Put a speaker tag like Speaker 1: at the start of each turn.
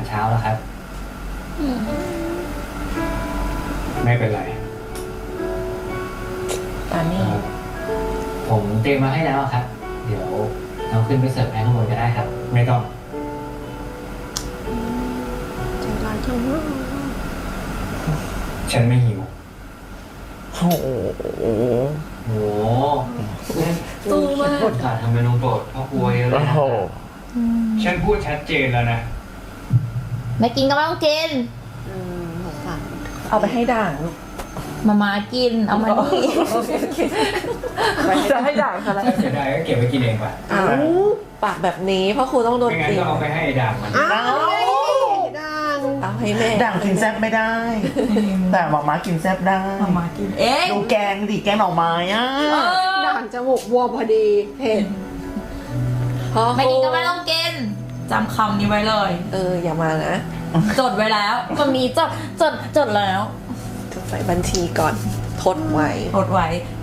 Speaker 1: เช้าแล้วครับไม่เป็นไร
Speaker 2: ตอนนี้
Speaker 1: ผมเตรียมมาให้แล้วครับ เดี๋ยวเราขึ้นไปเสิร์ฟให้ข้างบนก็ได้ครับ ไม่ต้อง
Speaker 3: ใจร้ายจังวะ
Speaker 1: ฉันไม่หิว
Speaker 4: โอ้โห
Speaker 1: โห
Speaker 3: ตู้มาก
Speaker 1: ขาดทำเมนูโปรดพ่อครัวเยอะเลย
Speaker 4: โอ้
Speaker 1: นะ
Speaker 4: โห
Speaker 1: ฉันพูดชัดเจนแล้วนะ
Speaker 2: ไม่กินก็ไม่ต้องกิน
Speaker 3: สงสาร
Speaker 5: เอาไปให้ด่างลูก
Speaker 2: มากิน เอามานี่
Speaker 5: จะให้ด่างเขาแล้ว
Speaker 1: ถ้าเสียดายก็เก็บไว้กินเองป่ะ
Speaker 3: อ้าวปากแบบนี้พ่อครูต้องโดน
Speaker 1: ไม่งั้น
Speaker 3: ตี
Speaker 1: ก็เอาไปให้ไอ้ด่างมัน
Speaker 3: อ้าวดังเอาให้แม่
Speaker 4: ด่างกินแซ่บไม่ได้ แต่หมาม้ากินแซ่บได้
Speaker 2: มากิน เอ๊ะ
Speaker 4: ดูแกงดิแกงหน่อไม้อ่ะ
Speaker 3: ด่างจมูกบวมพอดีเห็นพ่อ
Speaker 2: ไม่กินก็ไม่ต้องกินจำคำนี้ไว้เลย
Speaker 3: อย่ามานะ
Speaker 2: จดไว้แล้วมันมีจดแล้ว
Speaker 3: จดใส่บัญชีก่อนทดไว้
Speaker 2: จดไว้